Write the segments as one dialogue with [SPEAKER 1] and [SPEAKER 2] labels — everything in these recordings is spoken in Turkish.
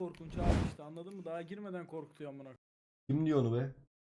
[SPEAKER 1] korkunç abi işte, anladın mı? Daha girmeden korkutuyor amına.
[SPEAKER 2] Kim diyor onu be?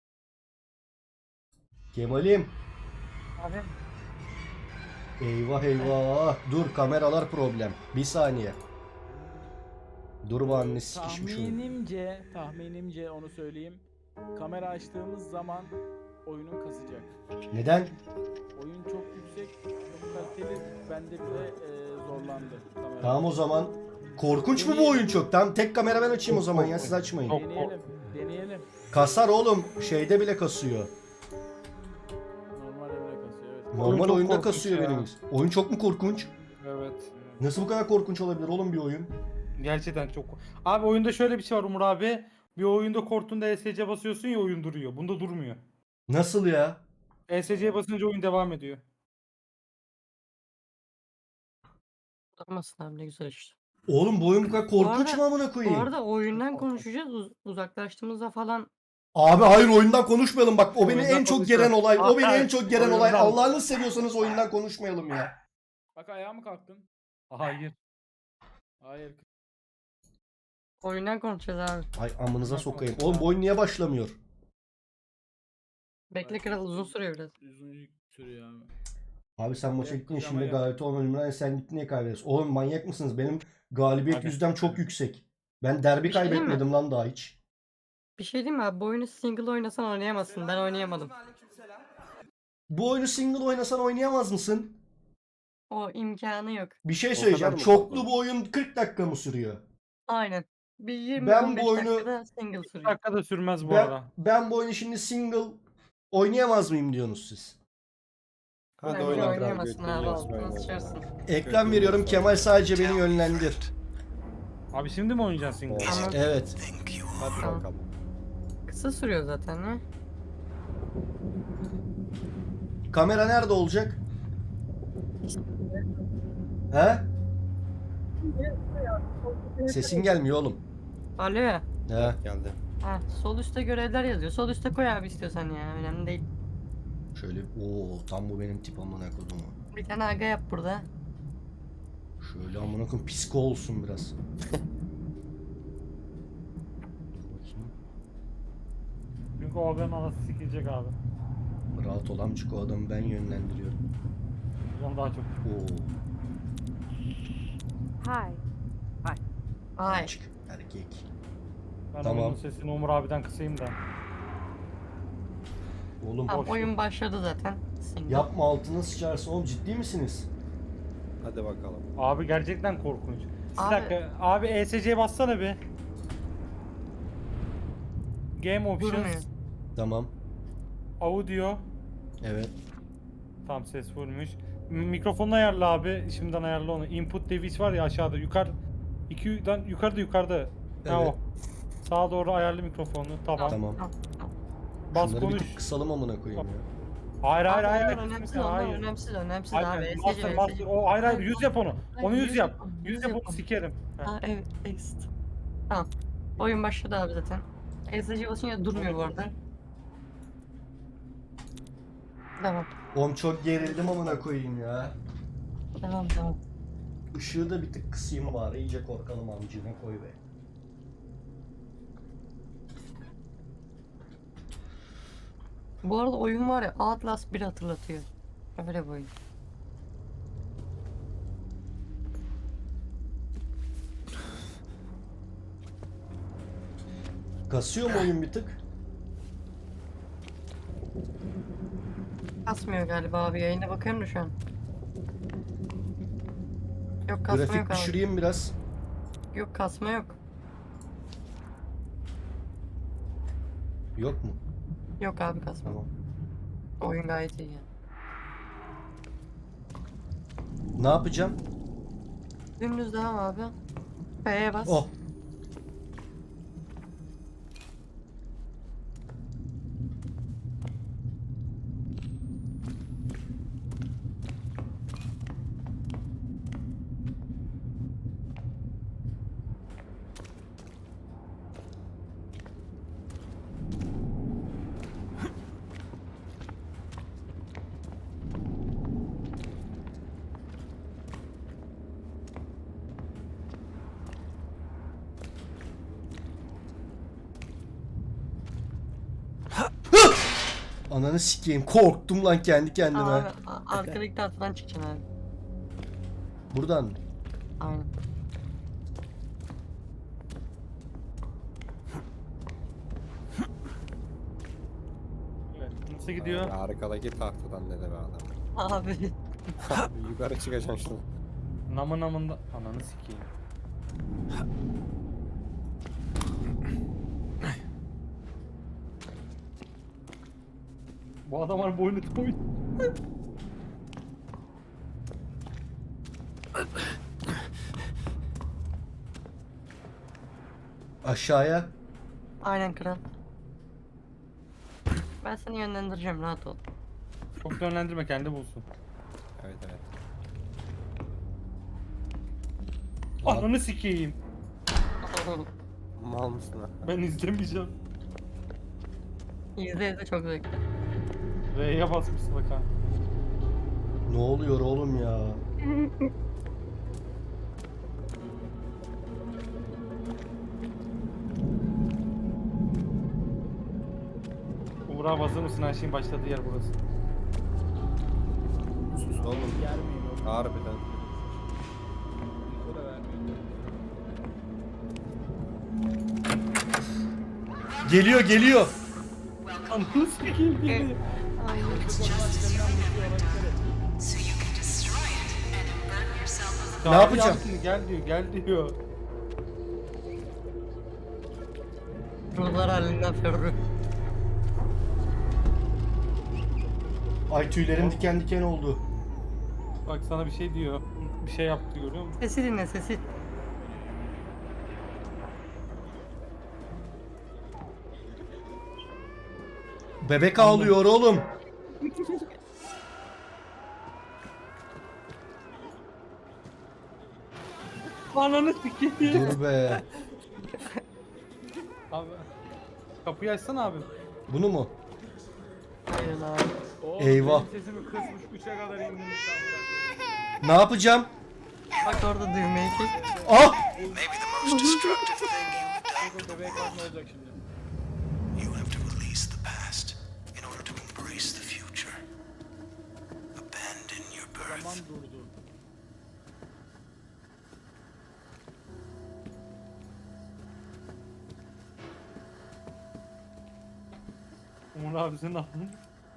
[SPEAKER 2] Kemal'im.
[SPEAKER 3] Abi
[SPEAKER 2] Eyvah eyvah. Dur, kameralar problem. Bir saniye. Dur, bu annesi sikişmiş oyun.
[SPEAKER 1] Tahminimce onu söyleyeyim. Kamera açtığımız zaman oyunun kasacak.
[SPEAKER 2] Neden?
[SPEAKER 1] Oyun çok yüksek, çok kaliteli. Bende bile zorlandı kamera.
[SPEAKER 2] Tamam o zaman. Korkunç mu bu oyun çok? Tamam, tek kamera ben açayım o zaman ya, siz açmayın.
[SPEAKER 1] Deneyelim.
[SPEAKER 2] Kasar oğlum. Şeyde bile kasıyor.
[SPEAKER 1] Normal evre kasıyor, evet.
[SPEAKER 2] Normal
[SPEAKER 3] çok
[SPEAKER 2] oyunda
[SPEAKER 3] korkunç
[SPEAKER 2] kasıyor
[SPEAKER 3] ya.
[SPEAKER 2] benim. Oyun çok mu korkunç?
[SPEAKER 3] evet.
[SPEAKER 2] Nasıl bu kadar korkunç olabilir oğlum bir oyun?
[SPEAKER 3] Gerçekten çok. Abi oyunda şöyle bir şey var Umur abi. Bir oyunda korktuğunda ESC basıyorsun ya oyun duruyor. Bunda durmuyor.
[SPEAKER 2] Nasıl ya?
[SPEAKER 3] ESC'ye basınca oyun devam ediyor.
[SPEAKER 4] Durmasın abi, ne güzel işte.
[SPEAKER 2] Oğlum bu oyun bu kadar korkunç
[SPEAKER 4] arada-
[SPEAKER 2] mu amına
[SPEAKER 4] Bu
[SPEAKER 2] koyayım?
[SPEAKER 4] arada oyundan konuşacağız. Uzaklaştığımızda falan
[SPEAKER 2] Abi hayır, oyundan konuşmayalım bak, o beni
[SPEAKER 3] Oyundan
[SPEAKER 2] en çok
[SPEAKER 3] konuşalım.
[SPEAKER 2] geren olay. O beni en
[SPEAKER 3] Hayır,
[SPEAKER 2] çok geren olay.
[SPEAKER 3] oyundan.
[SPEAKER 2] Allah'ını seviyorsanız oyundan konuşmayalım ya.
[SPEAKER 1] Bak, ayağa mı kalktın?
[SPEAKER 3] Hayır.
[SPEAKER 1] Hayır.
[SPEAKER 4] oyundan konuşacağız abi.
[SPEAKER 2] Ay amınıza
[SPEAKER 3] Oyundan
[SPEAKER 2] sokayım.
[SPEAKER 3] konuşalım.
[SPEAKER 2] Oğlum bu oyun niye başlamıyor?
[SPEAKER 4] Bekle kral, uzun sürüyor biraz.
[SPEAKER 1] Uzun sürüyor abi.
[SPEAKER 2] Abi sen maça
[SPEAKER 1] Yap,
[SPEAKER 2] gittin
[SPEAKER 1] kocama
[SPEAKER 2] şimdi,
[SPEAKER 1] yap.
[SPEAKER 2] galibiyet olmadı. Sen gittin, niye kaybediyorsun? Oğlum manyak mısınız? Benim galibiyet
[SPEAKER 3] Abi.
[SPEAKER 2] yüzdem çok yüksek. Ben derbi
[SPEAKER 4] Bir şey diyeyim mi?
[SPEAKER 2] kaybetmedim lan daha hiç.
[SPEAKER 4] Bir şey diyeyim mi abi? Bu oyunu single oynasan oynayamazsın. Ben oynayamadım.
[SPEAKER 2] Bu oyunu single oynasan oynayamaz mısın?
[SPEAKER 4] O imkanı yok.
[SPEAKER 2] Bir şey
[SPEAKER 5] kadar
[SPEAKER 2] söyleyeceğim.
[SPEAKER 5] mı
[SPEAKER 2] Çoklu
[SPEAKER 5] korkunç?
[SPEAKER 2] bu oyun 40 dakika mı sürüyor?
[SPEAKER 4] Aynen. Bir 20-15
[SPEAKER 2] Ben bu oyunu-
[SPEAKER 4] dakikada single sürüyor.
[SPEAKER 3] Dakika da sürmez bu
[SPEAKER 2] Ben,
[SPEAKER 3] arada.
[SPEAKER 2] ben bu oyunu şimdi single oynayamaz mıyım diyorsunuz siz?
[SPEAKER 5] Hadi
[SPEAKER 4] Bence
[SPEAKER 5] oyna kral,
[SPEAKER 4] oynayamazsın
[SPEAKER 5] götünü
[SPEAKER 4] abi.
[SPEAKER 5] yiyorsun,
[SPEAKER 4] Altına
[SPEAKER 5] oyna.
[SPEAKER 4] sıçarsın.
[SPEAKER 2] Ekran veriyorum, Kemal sadece beni yönlendir.
[SPEAKER 3] Abi şimdi mi oynayacaksın single?
[SPEAKER 4] Ama
[SPEAKER 2] Evet.
[SPEAKER 5] Hadi
[SPEAKER 4] Tamam.
[SPEAKER 5] bakalım.
[SPEAKER 4] kısa sürüyor zaten ya.
[SPEAKER 2] Kamera nerede olacak? He? Sesin gelmiyor oğlum.
[SPEAKER 4] Alo ya.
[SPEAKER 2] He.
[SPEAKER 5] Geldi.
[SPEAKER 4] Ha, sol üstte görevler yazıyor. Sol üstte koy abi istiyorsan ya. Önemli değil.
[SPEAKER 2] Şöyle, tam bu benim tip amına kodumu.
[SPEAKER 4] Bir tane aga yap burada.
[SPEAKER 2] Şöyle amına koyayım, psiko olsun biraz. Dur bakayım.
[SPEAKER 3] Çünkü o adamın anası sikilecek abi.
[SPEAKER 2] Rahat ol amcık, o adamı ben yönlendiriyorum.
[SPEAKER 3] Ondan daha çok.
[SPEAKER 2] Oo,
[SPEAKER 6] Hi.
[SPEAKER 4] Ay.
[SPEAKER 2] amcık erkek.
[SPEAKER 3] Ben
[SPEAKER 2] Tamam.
[SPEAKER 3] onun sesini Umur abiden kısayım da.
[SPEAKER 2] Oğlum
[SPEAKER 4] Tamam,
[SPEAKER 3] boş
[SPEAKER 4] oyun başladı zaten. Single.
[SPEAKER 2] yapma, altına sıçarsın oğlum, ciddi misiniz?
[SPEAKER 5] Hadi bakalım.
[SPEAKER 3] Abi gerçekten korkunç. Bir
[SPEAKER 4] Abi-
[SPEAKER 3] dakika. Abi ESC'ye bassana bir. Game
[SPEAKER 4] Durmuyor.
[SPEAKER 3] Options.
[SPEAKER 2] Tamam.
[SPEAKER 3] Audio.
[SPEAKER 2] Evet.
[SPEAKER 3] Tam ses fullmüş. Mikrofonunu ayarla abi. Şimdiden ayarla onu. Input device var ya aşağıda. Yukarıda. Ha
[SPEAKER 2] Evet.
[SPEAKER 3] o. Sağa doğru ayarlı mikrofonu. Tamam.
[SPEAKER 2] Tamam.
[SPEAKER 3] Bas
[SPEAKER 2] Şunları bir
[SPEAKER 3] konuş.
[SPEAKER 2] tık kısalım amına koyayım ya.
[SPEAKER 3] Hayır
[SPEAKER 4] Abi
[SPEAKER 3] hayır.
[SPEAKER 4] onlar önemsiz, onlar
[SPEAKER 3] Hayır.
[SPEAKER 4] önemsiz
[SPEAKER 3] Hayır,
[SPEAKER 4] abi.
[SPEAKER 3] master,
[SPEAKER 4] ESC,
[SPEAKER 3] master. O hayır 100 yap onu.
[SPEAKER 4] Hayır,
[SPEAKER 3] Onu 100
[SPEAKER 4] 100
[SPEAKER 3] yap.
[SPEAKER 4] yapalım,
[SPEAKER 3] 100
[SPEAKER 4] 100
[SPEAKER 3] yap onu
[SPEAKER 4] yapalım.
[SPEAKER 3] sikerim. Ha.
[SPEAKER 4] Ha evet, exit. Tamam. Oyun başladı abi zaten. ESC basınca durmuyor bu arada. Devam.
[SPEAKER 2] Oğlum çok gerildim amına koyayım ya.
[SPEAKER 4] Devam.
[SPEAKER 2] Işığı da bir tık kısayım bari, iyice korkalım amcığına koy be.
[SPEAKER 4] Bu arada oyun var ya, Outlast 1 hatırlatıyor. Öyle bir oyun.
[SPEAKER 2] Kasıyor mu oyun bir tık?
[SPEAKER 4] Kasmıyor galiba abi, yayına bakıyorum da şu an. Yok, kasma
[SPEAKER 2] Grafik
[SPEAKER 4] yok abi.
[SPEAKER 2] düşüreyim biraz.
[SPEAKER 4] Yok, kasma yok.
[SPEAKER 2] Yok mu?
[SPEAKER 4] Yok abi, kasma.
[SPEAKER 2] Tamam.
[SPEAKER 4] Oyun gayet iyi yani.
[SPEAKER 2] Ne yapacağım?
[SPEAKER 4] Dümdüz devam abi. F'ye bas.
[SPEAKER 2] Oh. Ananı sikeyim. Korktum lan kendi kendime.
[SPEAKER 4] Abi arkadaki tahtadan çıkacaksın abi.
[SPEAKER 2] Buradan mı?
[SPEAKER 4] Aynen.
[SPEAKER 3] Evet. Nasıl gidiyor?
[SPEAKER 5] Arkadaki tahtadan dedi be adam.
[SPEAKER 4] Abi.
[SPEAKER 5] Yukarı çıkacaksın şunu.
[SPEAKER 3] Namı namında. Ananı sikeyim. Bu adamlar boynu toy.
[SPEAKER 2] Aşağıya.
[SPEAKER 4] Aynen kral. Ben seni yönlendireceğim, rahat ol.
[SPEAKER 3] Çok yönlendirme, kendi bulsun.
[SPEAKER 5] Evet evet.
[SPEAKER 3] Ananı sikeyim.
[SPEAKER 5] Mal mısın ha?
[SPEAKER 3] Ben izlemeyeceğim.
[SPEAKER 4] İzle izle, çok zevkli.
[SPEAKER 3] R'ye basmışsın bak ha.
[SPEAKER 2] Ne oluyor oğlum ya?
[SPEAKER 3] Umur abi hazır mısın? Her şeyin başladığı yer burası.
[SPEAKER 5] Sus oğlum.
[SPEAKER 1] Germeyin oğlum.
[SPEAKER 5] Harbiden.
[SPEAKER 1] Info da vermeyin.
[SPEAKER 2] Geliyor geliyor.
[SPEAKER 3] Ananı sikeyim geliyor.
[SPEAKER 4] Aynen.
[SPEAKER 2] Ne yapacağım?
[SPEAKER 3] Gel diyor, gel diyor.
[SPEAKER 4] Ruhlar halinden Ferru.
[SPEAKER 2] Ay tüylerim diken diken oldu.
[SPEAKER 3] Bak sana bir şey diyor. Bir şey yaptı, görüyor musun?
[SPEAKER 4] Sesi dinle, sesi.
[SPEAKER 2] Bebek ağlıyor oğlum.
[SPEAKER 3] Ananı sikeyim.
[SPEAKER 2] Dur be.
[SPEAKER 3] Abi. Kapıyı açsana abi.
[SPEAKER 2] Bunu mu?
[SPEAKER 4] Aynen abi.
[SPEAKER 1] Oğlum,
[SPEAKER 2] Eyvah.
[SPEAKER 1] benim sesimi kısmış 3'e kadar indirmiş.
[SPEAKER 2] Ne yapacağım?
[SPEAKER 4] Bak orada düğmeyi kes.
[SPEAKER 2] Ah!
[SPEAKER 6] Maybe the most destructive thing you've done.
[SPEAKER 1] Yok, bebek ne olacak şimdi?
[SPEAKER 6] You have to release the past in order to embrace the future. Abandon your
[SPEAKER 1] Zaman
[SPEAKER 6] birth.
[SPEAKER 1] durdu.
[SPEAKER 3] Umur abi senin aklın.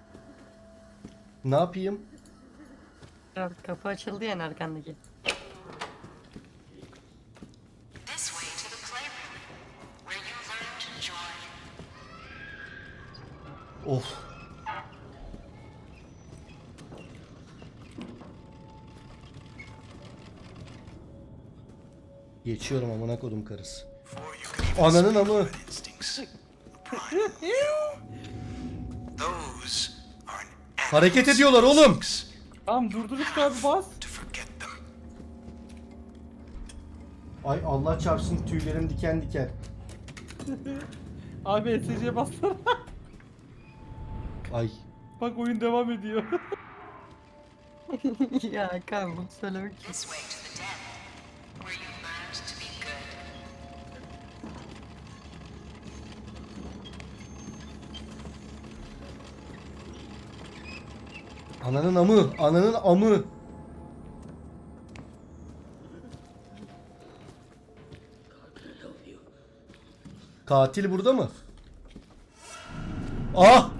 [SPEAKER 2] Ne yapayım?
[SPEAKER 4] Kral, kapı açıldı ya arkandaki.
[SPEAKER 7] This way to the playroom, where you learn to joy.
[SPEAKER 2] Of. Geçiyorum amına kodum karısı.
[SPEAKER 6] Before you can even
[SPEAKER 2] Ananın amı.
[SPEAKER 6] instincts. Prime you. Those are an
[SPEAKER 2] Hareket ediyorlar oğlum.
[SPEAKER 3] Tamam durdur işte abi, bas.
[SPEAKER 6] to forget them.
[SPEAKER 2] Ay Allah çarpsın tüylerim diken diken.
[SPEAKER 3] Abi SC'ye bassana.
[SPEAKER 2] Ay.
[SPEAKER 3] Bak oyun devam ediyor.
[SPEAKER 4] Ya Hakan, bunu söylemek
[SPEAKER 7] This way to the den, where you learned to be good.
[SPEAKER 2] Ananın amı. Ananın amı. Katil burada mı? Ah!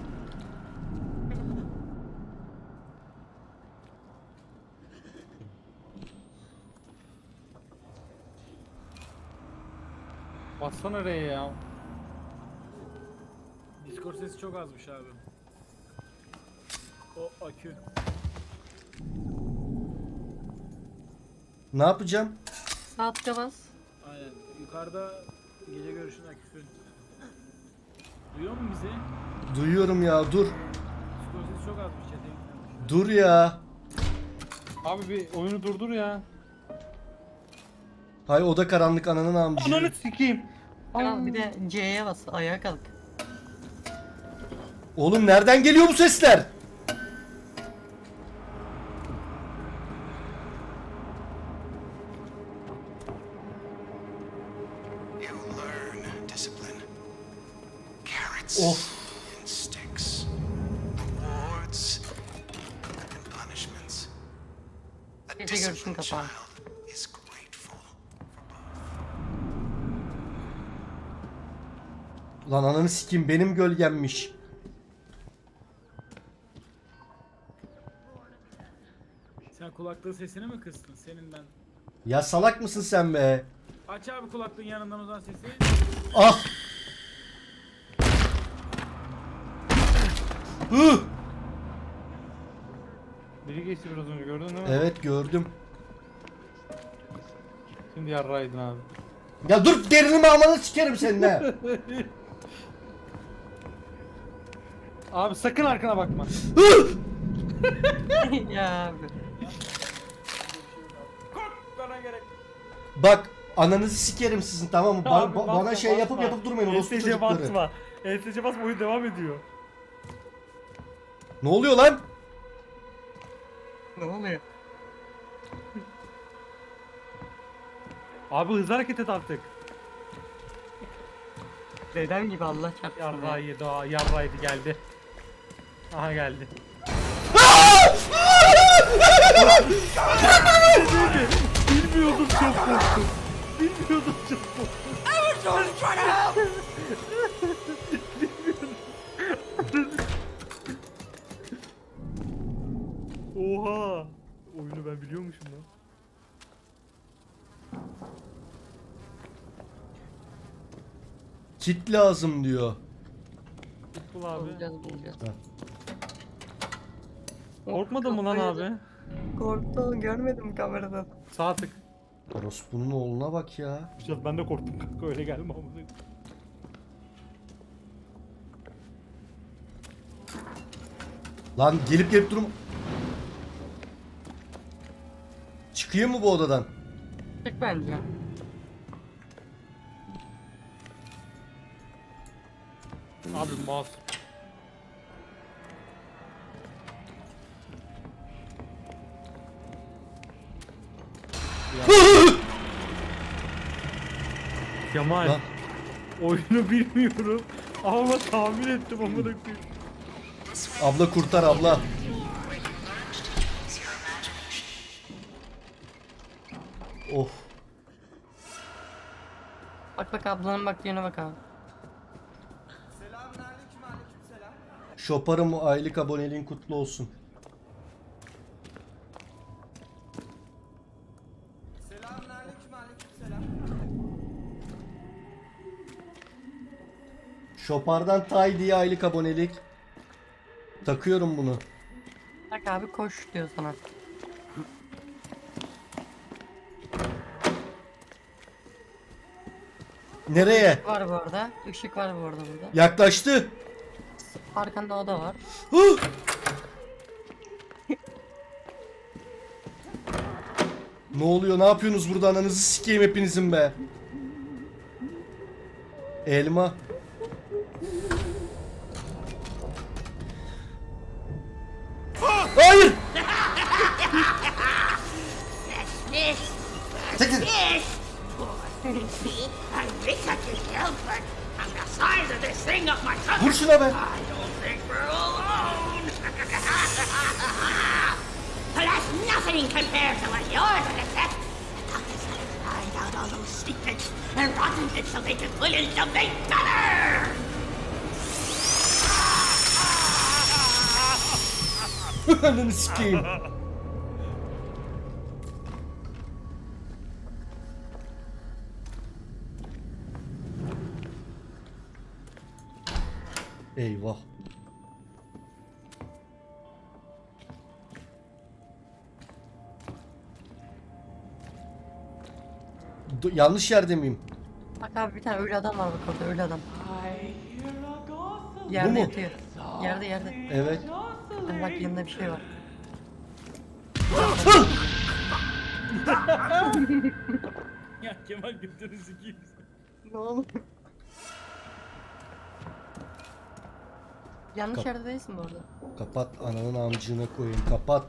[SPEAKER 3] Bassana R'ye ya.
[SPEAKER 1] Discord sesi çok azmış abi. O akü.
[SPEAKER 2] Ne yapacağım?
[SPEAKER 4] Sağ tıka bas.
[SPEAKER 1] Aynen. Yukarıda gece görüşün aküsü. Duyuyor mu bizi?
[SPEAKER 2] Duyuyorum ya dur.
[SPEAKER 1] Discord sesi çok azmış. Chat'e gitmemiş.
[SPEAKER 2] Dur ya.
[SPEAKER 3] Abi bir oyunu durdur ya.
[SPEAKER 2] Hay oda karanlık ananın amcı.
[SPEAKER 3] Ananı sikeyim.
[SPEAKER 4] Kral, bir de C'ye bas, ayağa kalk.
[SPEAKER 2] Oğlum nereden geliyor bu sesler?
[SPEAKER 6] You learn discipline. Carrots
[SPEAKER 2] Of.
[SPEAKER 6] and
[SPEAKER 4] Gece görüşün kapağı.
[SPEAKER 6] child is grateful.
[SPEAKER 2] Lan ananı sikeyim, benim gölgemmiş.
[SPEAKER 1] Sen kulaklığın sesini mi kıstın? Senin ben.
[SPEAKER 2] Ya salak mısın sen be?
[SPEAKER 1] Aç abi kulaklığın yanından uzan sesi.
[SPEAKER 2] Ah! Hı!
[SPEAKER 3] Biri geçti biraz önce gördün değil mi?
[SPEAKER 2] Evet gördüm.
[SPEAKER 3] Şimdi yarraydın abi.
[SPEAKER 2] Ya dur, derinimi amanı sikerim seninle.
[SPEAKER 3] Abi sakın arkana bakma.
[SPEAKER 4] Ya abi.
[SPEAKER 1] Korkmana gerek.
[SPEAKER 2] Bak ananızı sikerim sizin, tamam mı?
[SPEAKER 3] Abi,
[SPEAKER 2] Bana
[SPEAKER 3] basma,
[SPEAKER 2] şey yapıp
[SPEAKER 3] basma.
[SPEAKER 2] yapıp durmayın orospu
[SPEAKER 3] ESC
[SPEAKER 2] çocukları.
[SPEAKER 3] basma. ESC basma, oyun devam ediyor.
[SPEAKER 2] Ne oluyor lan?
[SPEAKER 4] Ne oluyor?
[SPEAKER 3] Abi hızlı hareket et artık.
[SPEAKER 4] Dedem gibi Allah çarpsın. ya.
[SPEAKER 3] Yarraydı, yarraydı geldi. Aha geldi. Bilmiyordum, çok korktum. Bilmiyordum, çok korktum. Oha! Oyunu ben biliyormuşum lan.
[SPEAKER 2] Kit lazım diyor.
[SPEAKER 3] Bul abi.
[SPEAKER 4] Bulacağız.
[SPEAKER 3] Korkmadın mı lan abi?
[SPEAKER 4] Korktu, görmedim kameradan.
[SPEAKER 3] Sağ tık.
[SPEAKER 2] Orospu'nun oğluna bak ya.
[SPEAKER 3] Biraz ben de korktum kanka, öyle gelme amına.
[SPEAKER 2] Lan gelip gelip durum. Çıkayım mı bu odadan?
[SPEAKER 4] Çık bence.
[SPEAKER 3] Abi mouse. Kemal,
[SPEAKER 2] Lan.
[SPEAKER 3] oyunu bilmiyorum ama tahmin ettim amına koyayım.
[SPEAKER 2] Abla kurtar abla. Of.
[SPEAKER 4] Bak bak ablanın baktığına bak abi.
[SPEAKER 2] Şoparım, aylık aboneliğin kutlu olsun. Şopar'dan Tay diye aylık abonelik. Takıyorum bunu.
[SPEAKER 4] Bak abi koş diyor sana.
[SPEAKER 2] Nereye?
[SPEAKER 4] Var bu arada. Işık var bu arada burada.
[SPEAKER 2] Yaklaştı.
[SPEAKER 4] Arkanda oda var.
[SPEAKER 2] Huh! Ne oluyor? Ne yapıyorsunuz burada? Ananızı sikeyim hepinizin be. Elma. Hayır! Çekil.
[SPEAKER 7] I wish I could help, but I'm the size of this thing up my truck.
[SPEAKER 2] Vur şuna be.
[SPEAKER 7] I don't think we're alone. But that's nothing compared to what you're gonna get. The doctors let us find out all those secrets and rotten it so they can put in something better.
[SPEAKER 2] Ananı sikeyim. Eyvah. Yanlış yerde miyim?
[SPEAKER 4] Bak abi bir tane ölü adam var bak orada, ölü adam. Yerde
[SPEAKER 2] Bu mu?
[SPEAKER 4] yatıyor. Yerde.
[SPEAKER 2] Evet.
[SPEAKER 4] Hani bak yanında bir şey var.
[SPEAKER 1] Ya Kemal götünü sikeyim.
[SPEAKER 4] Ne oldu? Yanlış yerde değilsin bu arada.
[SPEAKER 2] Kapat, ananın amcığına koyayım, kapat.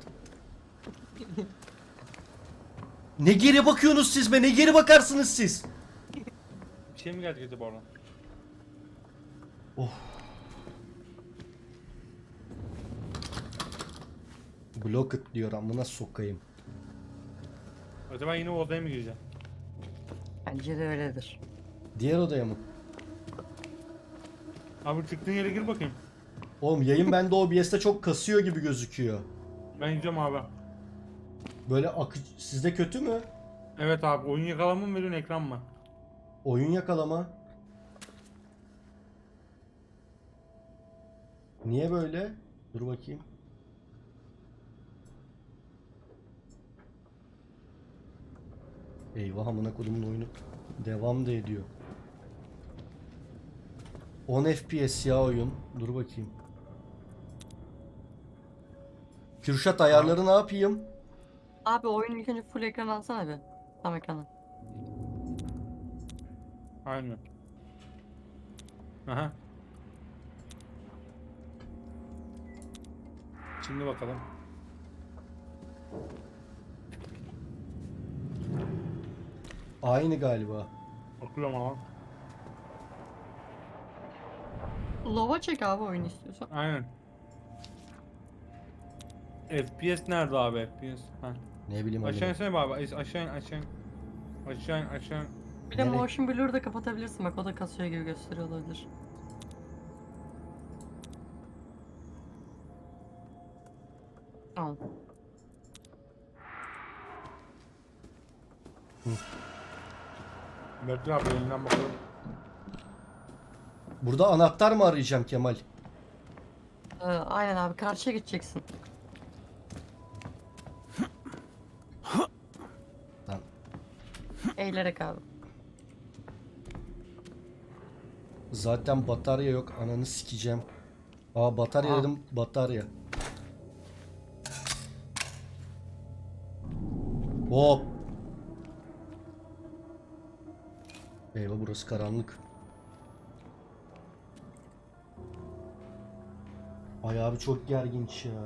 [SPEAKER 2] Ne geri bakıyorsunuz siz be? Ne geri bakarsınız siz?
[SPEAKER 3] Bir şey mi geldi acaba oradan?
[SPEAKER 2] Block it diyor, amına sokayım.
[SPEAKER 3] Acaba yine o odaya mı gireceğim?
[SPEAKER 4] Bence de öyledir.
[SPEAKER 2] Diğer odaya mı?
[SPEAKER 3] Abi çıktığın yere gir bakayım.
[SPEAKER 2] Oğlum yayın bende OBS'te çok kasıyor gibi gözüküyor.
[SPEAKER 3] Ben gidiyorum abi.
[SPEAKER 2] Böyle sizde kötü mü?
[SPEAKER 3] Evet abi, oyun yakalama mı veriyorsun, ekran mı?
[SPEAKER 2] Oyun yakalama. Niye böyle? Dur bakayım. Eyvah, amına kodumun oyunu devam da ediyor. 10 FPS ya oyun. Dur bakayım. Kürşat, ayarları ne yapayım?
[SPEAKER 4] Abi oyunu ilk önce full ekran alsana bir. Tam ekranı.
[SPEAKER 3] Aynen. Aha. Şimdi bakalım.
[SPEAKER 2] Aynı galiba.
[SPEAKER 3] Bakıyorum ama.
[SPEAKER 4] Lova çek abi oyunu istiyorsan.
[SPEAKER 3] Aynen. FPS nerede abi, FPS? Ha.
[SPEAKER 2] Ne bileyim
[SPEAKER 3] Aşağı
[SPEAKER 2] amına.
[SPEAKER 3] insene abi, aşağı in, aşağı in. Aşağı in, aşağı in.
[SPEAKER 4] Bir de
[SPEAKER 2] Nereye?
[SPEAKER 4] motion blur'ı da kapatabilirsin, bak o da kasıyor gibi gösteriyor olabilir. Tamam.
[SPEAKER 3] Bekle abi, elinden bakalım.
[SPEAKER 2] Burada anahtar mı arayacağım Kemal?
[SPEAKER 4] Aynen abi, karşıya gideceksin.
[SPEAKER 2] Lan.
[SPEAKER 4] Eğilerek abi.
[SPEAKER 2] Zaten batarya yok. Ananı sikeceğim. Aa, batarya dedim. Batarya. Hop. Eyvah, burası karanlık. Ay abi, çok gerginç ya.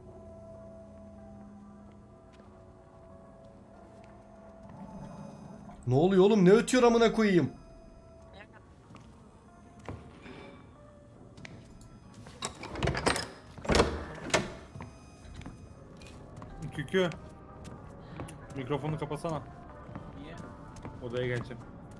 [SPEAKER 2] Ne oluyor oğlum? Ne ötüyor amına koyayım?
[SPEAKER 3] Kükü. Mikrofonu kapatsana.
[SPEAKER 1] Niye?
[SPEAKER 3] Odaya geleceğim.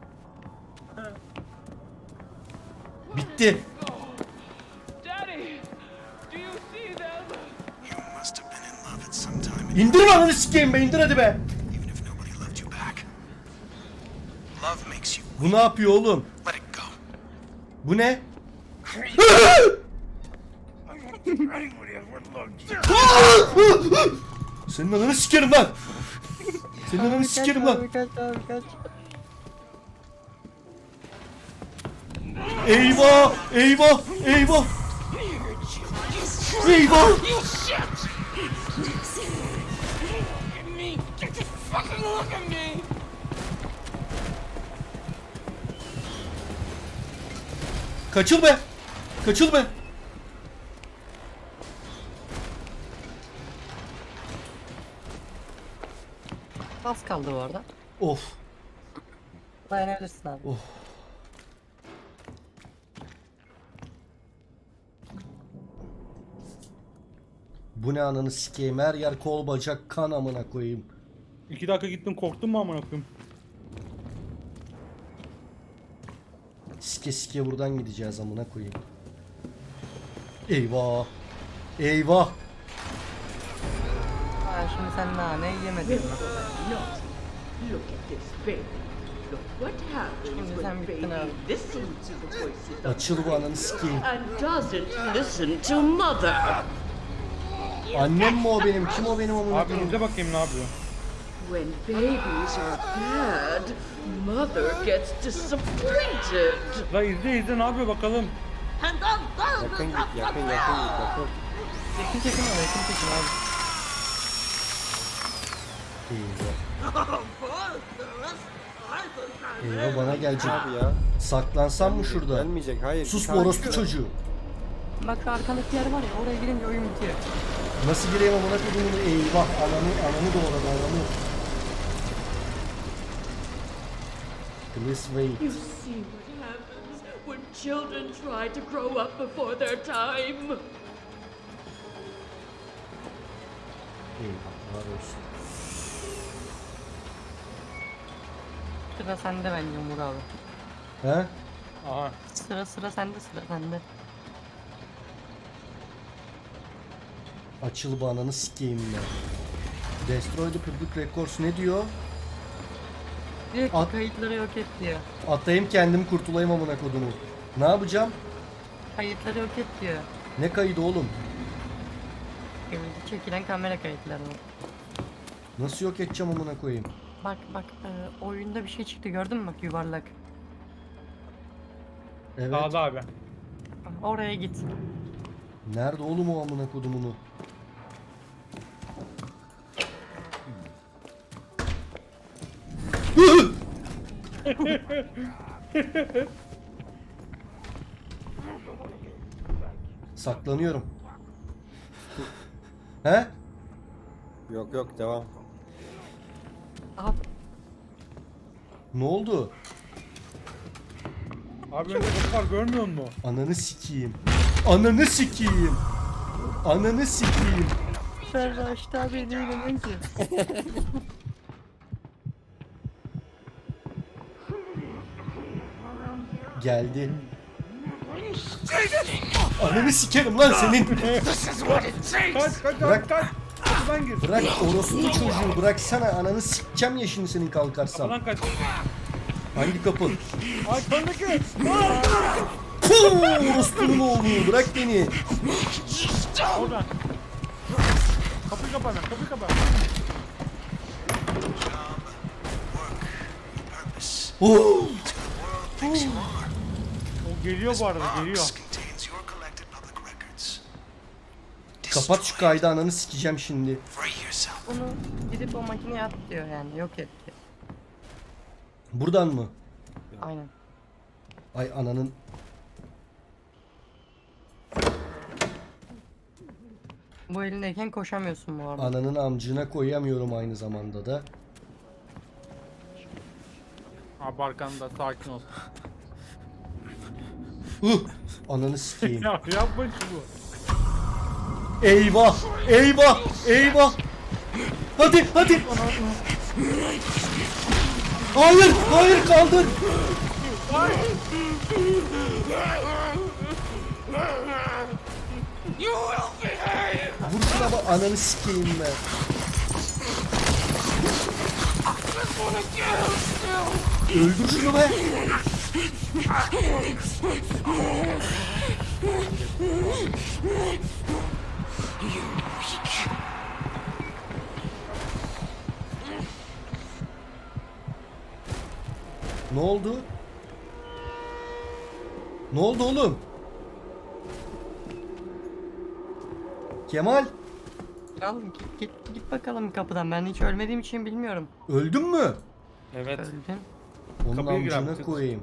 [SPEAKER 2] Bitti.
[SPEAKER 1] Daddy! Do you see them?
[SPEAKER 6] You must have been in love at some time,
[SPEAKER 2] İndir ananı sikeyim be, indir hadi be.
[SPEAKER 6] even if nobody loved you back. Love makes you
[SPEAKER 2] Bu ne yapıyor oğlum?
[SPEAKER 6] let it go.
[SPEAKER 2] Bu ne? Senin ananı sikerim lan. Senin ananı sikerim lan.
[SPEAKER 4] Kaç abi kaç.
[SPEAKER 2] Eyvah! Eyvah! Eyvah! Eyvah! Kaçıl be! Kaçıl be!
[SPEAKER 4] Az kaldı bu arada.
[SPEAKER 2] Of!
[SPEAKER 4] Dayanabilirsin abi.
[SPEAKER 2] Of! Bu ne ananı sikeyim? Her yer kol bacak kan amına koyayım.
[SPEAKER 3] 2 dakika gittin, korktun mu amına koyayım?
[SPEAKER 2] Sike sike buradan gideceğiz amına koyayım. Eyvah! Eyvah!
[SPEAKER 4] Ha, şimdi sen nane yemedin mi?
[SPEAKER 8] Look at this baby. Look what happens
[SPEAKER 4] Şimdi
[SPEAKER 8] when
[SPEAKER 4] sen bittin
[SPEAKER 8] baby
[SPEAKER 4] abi.
[SPEAKER 8] listens to the voices of
[SPEAKER 2] Açıl bu ananı sikeyim.
[SPEAKER 8] and doesn't listen to mother.
[SPEAKER 2] Annem mi o benim? Kim o benim amına
[SPEAKER 3] Abi
[SPEAKER 2] koyayım?
[SPEAKER 3] izle bakayım ne yapıyor.
[SPEAKER 8] When babies are bad, mother gets disappointed.
[SPEAKER 3] La izle ne yapıyor bakalım.
[SPEAKER 5] Yakın git, yakın git, yakın.
[SPEAKER 4] Yakın çekim abi, yakın çekim abi.
[SPEAKER 2] Eyvah. Eyvah, bana gelecek.
[SPEAKER 5] Abi ya.
[SPEAKER 2] Saklansam mı şurada?
[SPEAKER 5] Gelmeyecek, hayır.
[SPEAKER 2] Sus
[SPEAKER 5] Bir
[SPEAKER 2] bu
[SPEAKER 5] tane
[SPEAKER 2] orospu
[SPEAKER 5] çıktı.
[SPEAKER 2] çocuğu.
[SPEAKER 4] Bak şu arkandaki yer var ya, oraya girince oyun bitiyor.
[SPEAKER 2] Nasıl gireyim amına koyduğumu? Eyvah, ananı doğradı ananı. Please wait.
[SPEAKER 8] You see what happens when children try to grow up before their time.
[SPEAKER 2] Eyvah, var olsun.
[SPEAKER 4] Sıra sende bence Umur abi.
[SPEAKER 2] He?
[SPEAKER 3] Aha.
[SPEAKER 4] Sıra sende.
[SPEAKER 2] Açıl bu ananı sikeyim ben. Destroy the public records ne diyor?
[SPEAKER 4] Diyor ki
[SPEAKER 2] At-
[SPEAKER 4] kayıtları yok et diyor.
[SPEAKER 2] Atayım kendim kurtulayım amına kodumu. Ne yapacağım?
[SPEAKER 4] Kayıtları yok et diyor.
[SPEAKER 2] Ne kaydı oğlum?
[SPEAKER 4] Çekilen kamera kayıtlarını.
[SPEAKER 2] Nasıl yok edeceğim amına koyayım?
[SPEAKER 4] Bak oyunda bir şey çıktı gördün mü bak yuvarlak.
[SPEAKER 2] Evet.
[SPEAKER 3] Sağda abi.
[SPEAKER 4] Oraya git.
[SPEAKER 2] Nerede oğlum o amına kodumunu? Saklanıyorum. He?
[SPEAKER 5] Yok yok devam.
[SPEAKER 4] Abi
[SPEAKER 2] Ne oldu?
[SPEAKER 3] Abi önde kapı var görmüyor musun?
[SPEAKER 2] Ananı sikeyim. Ananı sikeyim. Ananı sikeyim.
[SPEAKER 4] sen Raşit abi değil ki.
[SPEAKER 2] Geldi. Ananı sikerim lan senin.
[SPEAKER 3] Kaç
[SPEAKER 2] Bırak.
[SPEAKER 3] kaç. Kapıdan gir.
[SPEAKER 2] Bırak orospu çocuğu bıraksana. Ananı sikeceğim ya şimdi senin kalkarsam.
[SPEAKER 3] Kapıdan kaç.
[SPEAKER 2] Hangi kapı?
[SPEAKER 3] Ay köndeki.
[SPEAKER 2] Puuu orospunun oğlu bırak beni.
[SPEAKER 3] Oradan. Kapıyı kapa hemen kapıyı kapa.
[SPEAKER 2] Oh.
[SPEAKER 3] O geliyor bu arada geliyor.
[SPEAKER 6] Contains your collected public records.
[SPEAKER 2] Kapat şu kaydı ananı sikeceğim şimdi.
[SPEAKER 6] Free yourself.
[SPEAKER 4] Bunu gidip o makineye at diyor yani yok et diyor.
[SPEAKER 2] Buradan mı?
[SPEAKER 4] Aynen.
[SPEAKER 2] Ay ananın.
[SPEAKER 4] Bu elindeyken koşamıyorsun bu arada.
[SPEAKER 2] Ananın amcına koyamıyorum aynı zamanda da.
[SPEAKER 1] Abi arkanda sakin ol.
[SPEAKER 2] Ananı sikeyim.
[SPEAKER 3] Ya yapma şunu.
[SPEAKER 2] Eyvah! Eyvah! Eyvah! Hadi hadi! Hayır! Hayır kaldır! Vur şuna bak ananı sikeyim ben. Öldür şunu be! Ne oldu? Ne oldu oğlum? Kemal,
[SPEAKER 4] Al git bakalım kapıdan. Ben hiç ölmediğim için bilmiyorum.
[SPEAKER 2] öldün mü?
[SPEAKER 3] Evet.
[SPEAKER 4] Öldüm.
[SPEAKER 2] Onun
[SPEAKER 3] Kapıya gir abi,
[SPEAKER 2] amcına
[SPEAKER 3] tık.
[SPEAKER 2] koyayım.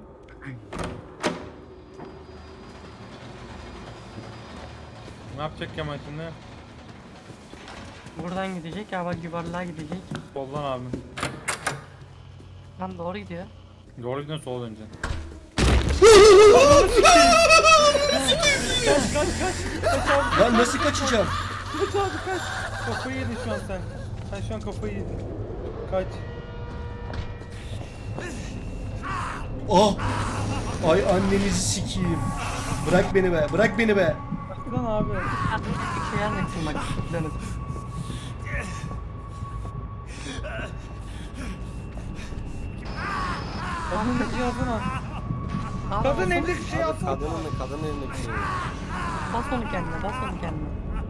[SPEAKER 3] Ne yapacak Kemal şimdi?
[SPEAKER 4] Buradan gidecek ya bak yuvarlığa gidecek.
[SPEAKER 3] Soldan abi.
[SPEAKER 4] Lan doğru gidiyor.
[SPEAKER 3] Doğru gidiyorsun sola döneceksin.
[SPEAKER 2] Lan nasıl kaçacağım?
[SPEAKER 3] Kaç abi kaç. Kafayı yedin şu an sen. Sen şu an kafayı yedin. Kaç.
[SPEAKER 2] Ah! Ay annenizi sikeyim. Bırak beni be, bırak beni be.
[SPEAKER 3] Lan abi.
[SPEAKER 4] Hadi bir şey anlatsın bak. Dönüp.
[SPEAKER 3] Kadın bir şey yazsana.
[SPEAKER 4] Aa,
[SPEAKER 3] Kadın
[SPEAKER 4] bas-
[SPEAKER 3] elindeki şey yazsana.
[SPEAKER 5] Kadının elindeki şey.
[SPEAKER 4] Bas onu kendine bas onu kendine.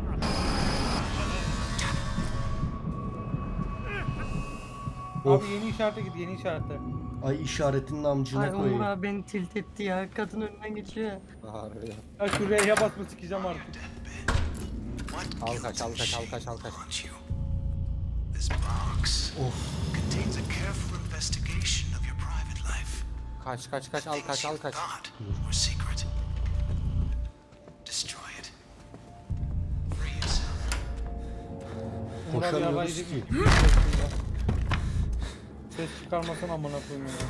[SPEAKER 2] Of.
[SPEAKER 3] Abi yeni işarete git yeni işarete.
[SPEAKER 2] Ay işaretinin amcına
[SPEAKER 4] Ay Umur
[SPEAKER 2] koyayım.
[SPEAKER 4] abi beni tilt etti ya. Kadın önünden geçiyor.
[SPEAKER 5] Harbiden.
[SPEAKER 3] Ya şu R'ye basma sikeceğim artık.
[SPEAKER 5] Al kaç al kaç al kaç al kaç.
[SPEAKER 6] Want you. This box contains a careful investigation of your private life.
[SPEAKER 5] Kaç kaç kaç al
[SPEAKER 6] Things
[SPEAKER 5] kaç al
[SPEAKER 6] you
[SPEAKER 5] kaç.
[SPEAKER 6] thought were secret. Destroy it. Free yourself.
[SPEAKER 3] Umur abi
[SPEAKER 2] Koşamıyoruz
[SPEAKER 3] yabancı
[SPEAKER 2] ki.
[SPEAKER 3] bir ses çıkarmasana amına koyayım ya.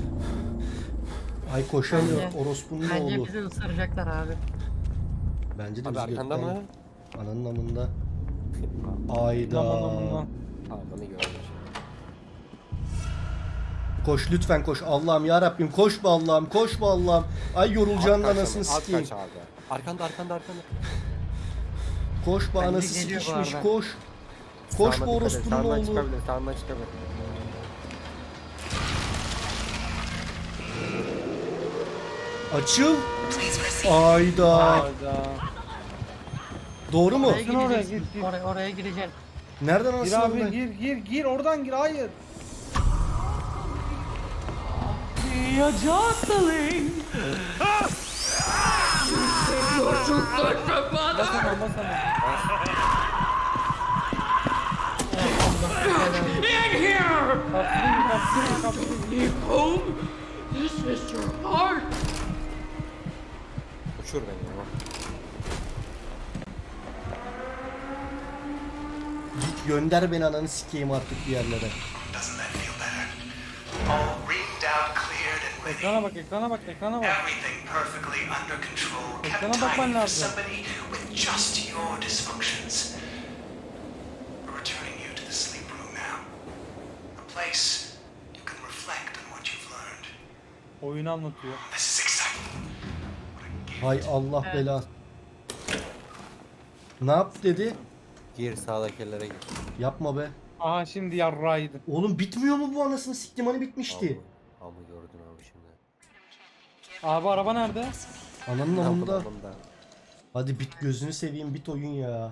[SPEAKER 2] Ay koşamıyor.
[SPEAKER 4] Bence-
[SPEAKER 2] Orospunun
[SPEAKER 4] Bence
[SPEAKER 2] oğlu.
[SPEAKER 4] bizi ısıracaklar abi.
[SPEAKER 2] Bence de
[SPEAKER 5] Abi
[SPEAKER 2] bizi
[SPEAKER 5] arkanda
[SPEAKER 2] gökten-
[SPEAKER 5] mı?
[SPEAKER 2] Ananın amında. Ayda.
[SPEAKER 3] Aman aman aman.
[SPEAKER 5] Aldığını görmüş.
[SPEAKER 2] Koş lütfen koş. Allah'ım ya Rabbim koş be Allah'ım. Koş be Allah'ım. Ay yorulacağın
[SPEAKER 5] Alt kaç
[SPEAKER 2] anasını
[SPEAKER 5] abi, alt
[SPEAKER 2] sikeyim.
[SPEAKER 5] kaç abi. Arkanda arkanda.
[SPEAKER 2] Koş be
[SPEAKER 4] Bence
[SPEAKER 2] anası
[SPEAKER 4] geliyor bu
[SPEAKER 2] sikişmiş
[SPEAKER 4] arada.
[SPEAKER 2] koş. Koş be
[SPEAKER 5] Sağına dikkat et,
[SPEAKER 2] orospunun
[SPEAKER 5] sağından
[SPEAKER 2] oğlu.
[SPEAKER 5] çıkabilir, sağından çıkabilir.
[SPEAKER 2] Açıl. Ayda.
[SPEAKER 3] Hayda.
[SPEAKER 2] Doğru mu?
[SPEAKER 4] Oraya
[SPEAKER 3] Gitsin oraya,
[SPEAKER 4] gireceksin.
[SPEAKER 3] git, git.
[SPEAKER 4] Oraya gireceksin.
[SPEAKER 2] Nereden
[SPEAKER 3] Gir
[SPEAKER 2] anasını
[SPEAKER 3] abi
[SPEAKER 2] ben?
[SPEAKER 3] gir oradan gir hayır.
[SPEAKER 8] Be a jostling. You're too good for mother. In here. Leave home. This is your heart.
[SPEAKER 5] Uçur beni ya.
[SPEAKER 2] Git gönder beni ananı sikeyim artık bir yerlere.
[SPEAKER 6] Doesn't that feel better? All reamed out, cleared, and ready.
[SPEAKER 3] Ekrana bak ekrana bak ekrana bak.
[SPEAKER 6] Everything perfectly under control. Kept
[SPEAKER 3] Ekrana bakman
[SPEAKER 6] tiny for
[SPEAKER 3] lazım.
[SPEAKER 6] somebody with just your dysfunctions. We're returning you to the sleep room now. A place you can reflect on what you've learned.
[SPEAKER 3] Oyunu anlatıyor.
[SPEAKER 6] This is exciting.
[SPEAKER 2] Hay Allah bela. Ne yap dedi?
[SPEAKER 5] Gir sağdakilere gir.
[SPEAKER 2] Yapma be.
[SPEAKER 3] Aha şimdi yarrağıydı.
[SPEAKER 2] Oğlum bitmiyor mu bu anasını siktim hani bitmişti.
[SPEAKER 5] Ama gördün abi şimdi.
[SPEAKER 3] Abi araba nerede?
[SPEAKER 2] Ananın
[SPEAKER 5] Ne
[SPEAKER 2] amında.
[SPEAKER 5] yapalım da?
[SPEAKER 2] Hadi bit gözünü seveyim bit oyun ya.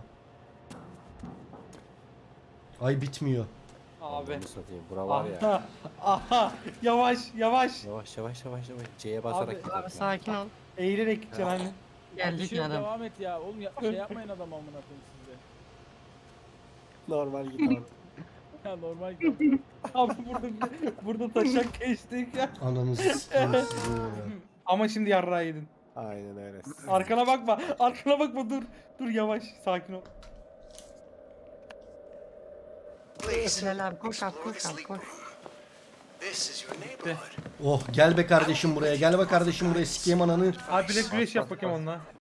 [SPEAKER 2] Ay bitmiyor.
[SPEAKER 3] Abi.
[SPEAKER 5] Bunu satayım. Bura var ya.
[SPEAKER 3] Aha. Aha. Yavaş yavaş.
[SPEAKER 5] Yavaş. C'ye basarak
[SPEAKER 3] Abi,
[SPEAKER 5] git.
[SPEAKER 4] Abi sakin ol.
[SPEAKER 3] Eğilerek gideceksin hani.
[SPEAKER 1] Bir
[SPEAKER 4] Geldik
[SPEAKER 1] şey yok,
[SPEAKER 4] adam.
[SPEAKER 1] devam et ya. Oğlum şey yapmayın adam amına koyayım size.
[SPEAKER 5] Normal git abi.
[SPEAKER 1] Ya normal gidiyor.
[SPEAKER 3] Abi burada taşak geçtik ya.
[SPEAKER 2] Ananızı sikeyim sizi ya.
[SPEAKER 3] Ama şimdi yarrağı yedin.
[SPEAKER 5] Aynen öyle.
[SPEAKER 3] Arkana bakma. Arkana bakma dur. Dur yavaş. Sakin ol.
[SPEAKER 6] Please,
[SPEAKER 4] Bilal abi koş abi
[SPEAKER 6] explore the
[SPEAKER 4] koş abi
[SPEAKER 6] sleep
[SPEAKER 4] koş.
[SPEAKER 6] room. This is your neighborhood.
[SPEAKER 2] Oh gel be kardeşim buraya gel be kardeşim buraya sikeyim ananı.
[SPEAKER 3] Abi bilek güreş yap bakayım onunla.